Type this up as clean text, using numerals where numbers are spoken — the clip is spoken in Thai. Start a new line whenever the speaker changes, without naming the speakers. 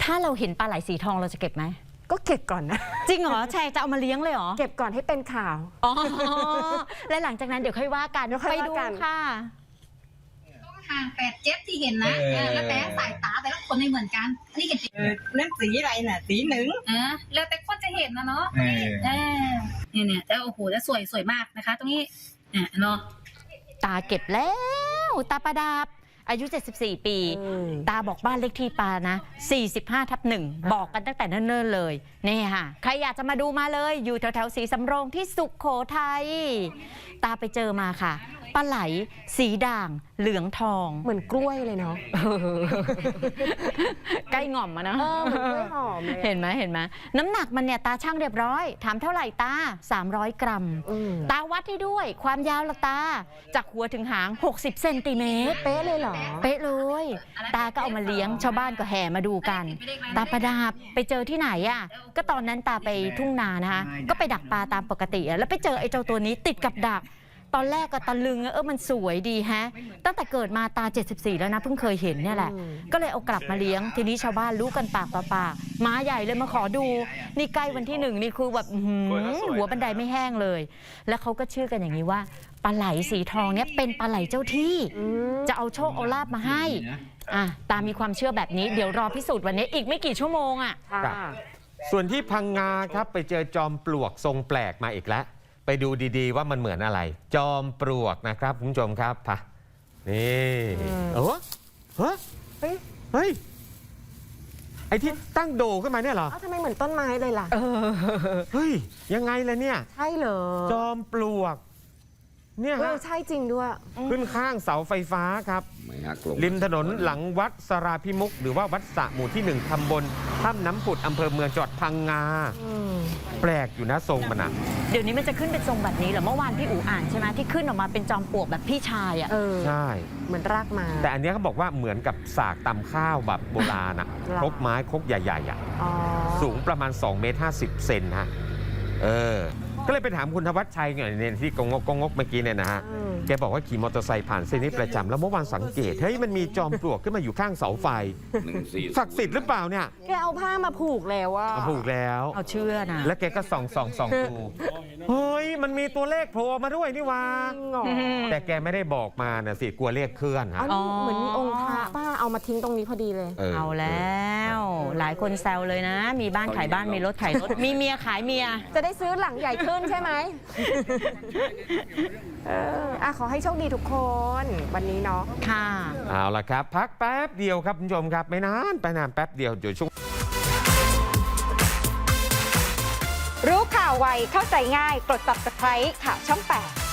ถ้าเราเห็นปลาไหลสีทองเราจะเก็บไหม
ก็เก็บก่อนนะ
จริงเหรอแชร์จะเอามาเลี้ยงเลยเหรอ
เก็บก่อนให้เป็นข่าว
อ๋อและหลังจากนั้นเดี๋ยวค่อยว่ากันไปดูค่ะ
ห่าง8 7ที่เห็นนะแล้วแต่สายตาแต่ละคนไม่เหมือนกันนี่กัน
นั่นสีอะไรน่ะสีหนึ่ง
แล้วแต่คนจะเห็นนะเนาะเนี่ยแต่โอ้โหจะสวยมากนะคะตรงนี้เนาะ
ตาเก็บแล้วตาประดับอายุ 74 ปีตาบอกบ้านเลขที่ปานะ45/1บอกกันตั้งแต่เนิ่นๆเลยนี่ค่ะใครอยากจะมาดูมาเลยอยู่แถวๆศรีสำโรงที่สุโขทัยตาไปเจอมาค่ะปลาไหลสีด่างเหลืองทอง
เหมือนกล้วยเลยเนาะ
ใกล้ง่อมมานะ
เหมือนกล้วยหอมเลย
เห็นไหมน้ำหนักมันเนี่ยตาช่างเรียบร้อยถามเท่าไหร่ตา300 กรัมตาวัดให้ด้วยความยาวละตาจากหัวถึงหาง60 เซนติเมตร
เป๊ะเลยเหรอ
เป๊ะเลยตาก็เอามาเลี้ยงชาวบ้านก็แห่มาดูกันตาประดาบไปเจอที่ไหนอ่ะก็ตอนนั้นตาไปทุ่งนานะคะก็ไปดักปลาตามปกติแล้วไปเจอไอ้เจ้าตัวนี้ติดกับดักตอนแรกก็ตะลึงมันสวยดีฮะตั้งแต่เกิดมาตา74แล้วนะเพิ่งเคยเห็นเนี่ยแหละก็เลยเอากลับมาเลี้ยงทีนี้ชาวบ้านรู้กันปากต่อปากม้าใหญ่เลยมาขอดูนี่ใกล้วันที่1นี่คือแบบหัวบันไดไม่แห้งเลยแล้วเขาก็เชื่อกันอย่างนี้ว่าปลาไหลสีทองเนี่ยเป็นปลาไหลเจ้าที่จะเอาโชคเอาลาภมาให้ตามมีความเชื่อแบบนี้เดี๋ยวรอพิสูจน์วันนี้อีกไม่กี่ชั่วโมง
ส่วนที่พังงาครับไปเจอจอมปลวกทรงแปลกมาอีกแล้วไปดูดีๆว่ามันเหมือนอะไรจอมปลวกนะครับคุณผู้ชมครับพะนี่เฮ้ยไอ้ที่ตั้งโดขึ้นมาเนี่ยเหรอ
ทำไมเหมือนต้นไม้เลยล่ะ
เฮ้ยยังไงล่ะเนี่ย
ใช่เหรอ
จอมปลวกเนี่ย
ใช่จริงด้วย
ขึ้นข้างเสาไฟฟ้าครับริมถนนหลังวัดสราพิมุขหรือว่าวัดสระหมู่ที่1ตำบลถ้ำน้ำผุดอำเภอเมืองจังหวัดพังงาแปลกอยู่นะทรงมัน
เดี๋ยวนี้มันจะขึ้นเป็นทรงแบบนี้เหรอเมื่อวานพี่อู๋อ่านใช่ไหมที่ขึ้นออกมาเป็นจอมปลวกแบบพี่ชาย
ใช่
เหมือนรากมา
แต่อันนี้เขาบอกว่าเหมือนกับสากตำข้าวแบบโบราณครกไม้ครกใหญ่ๆสูงประมาณ2.50 เมตรฮะก็เลยไปถามคุณธวัชชัยเนี่ยที่กงกเมื่อกี้เนี่ยนะฮะแกบอกว่าขี่มอเตอร์ไซค์ผ่านเส้นนี้ประจำแล้วเมื่อวานสังเกตเฮ้ยมันมีจอมปลวกขึ้นมาอยู่ข้างเสาไฟศักดิ์สิทธิ์หรือเปล่าเนี่ย
แกเอาผ้ามาผูกแล้ว
ผูกแล้ว
เอาเชื่อนะ
แล้วแกก็ส่องดูเฮ้ยมันมีตัวเลขโผล่มาด้วยนี่วะแต่แกไม่ได้บอกมานะสิกลัวเลขเคลื่อน
เหมือนมีองค์พระป้าเอามาทิ้งตรงนี้พอดีเลย
เอาแล้วหลายคนแซวเลยนะมีบ้านขายบ้านมีรถขายรถมีเมียขายเมีย
จะได้ซื้อหลังใหญ่ขึ้นใช่ไหมขอให้โชคดีทุกคนวันนี้เนาะ
ค่ะ
เอาล่ะครับพักแป๊บเดียวครับคุณผู้ชมครับไม่นานไปนานแป๊บเดียวเดี๋ยวช่วง
รู้ข่าวไวเข้าใจง่ายกด Subscribe ข่าวช่อง 8